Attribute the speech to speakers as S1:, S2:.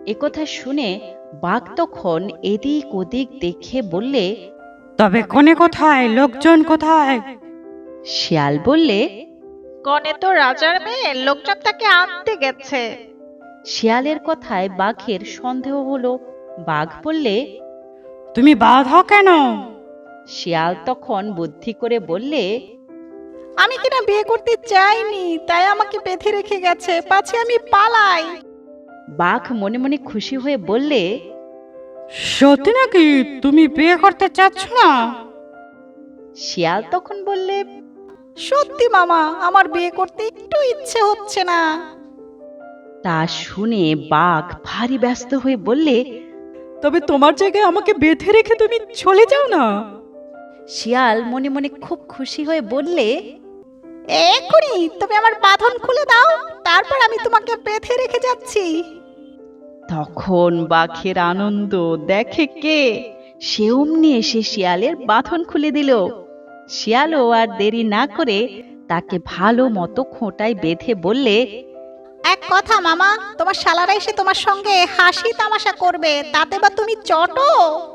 S1: একথা শুনে বাঘ তখন এদিক ওদিক দেখে বললে,
S2: তবে কনে কোথায়, লোকজন কোথায়?
S1: শিয়াল বললে,
S3: কনে তো রাজার মেয়ে, লোকজন তাকে আনতে গেছে।
S1: শিয়ালের কথায় বাঘের সন্দেহ হলো। বাঘ বললে,
S2: তুমি বাধা কেন?
S1: শিয়াল তখন বুদ্ধি করে বললে,
S3: আমি কিনা বিয়ে করতে চাইনি, তাই আমাকে বেঁধে রেখে গেছে, পাছে আমি পালাই।
S1: বাঘ মনে মনে খুশি হয়ে বললে,
S2: সত্যি নাকি? তুমি বিয়ে করতে চাচ্ছ না?
S1: শিয়াল তখন বললে,
S3: সত্যি মামা, আমার বিয়ে করতে একটু ইচ্ছে হচ্ছে না।
S1: তা শুনে বাঘ ভারী ব্যস্ত হয়ে বললে,
S2: তবে তোমার জায়গায় আমাকে বেঁধে রেখে তুমি চলে যাও না।
S1: শিয়াল মনে মনে খুব খুশি হয়ে বললে,
S3: এক্ষুনি তুমি আমার বাঁধন খুলে দাও, তারপর আমি তোমাকে বেঁধে রেখে যাচ্ছি।
S1: তখন বাঘের আনন্দ দেখে কে, সে অমনি এসে শিয়ালের বাঁধন খুলে দিল। শিয়ালও আর দেরি না করে তাকে ভালো মতো খোঁটায় বেঁধে বললে,
S3: এক কথা মামা, তোমার শালারা এসে তোমার সঙ্গে হাসি তামাশা করবে, তাতে বা তুমি চটো।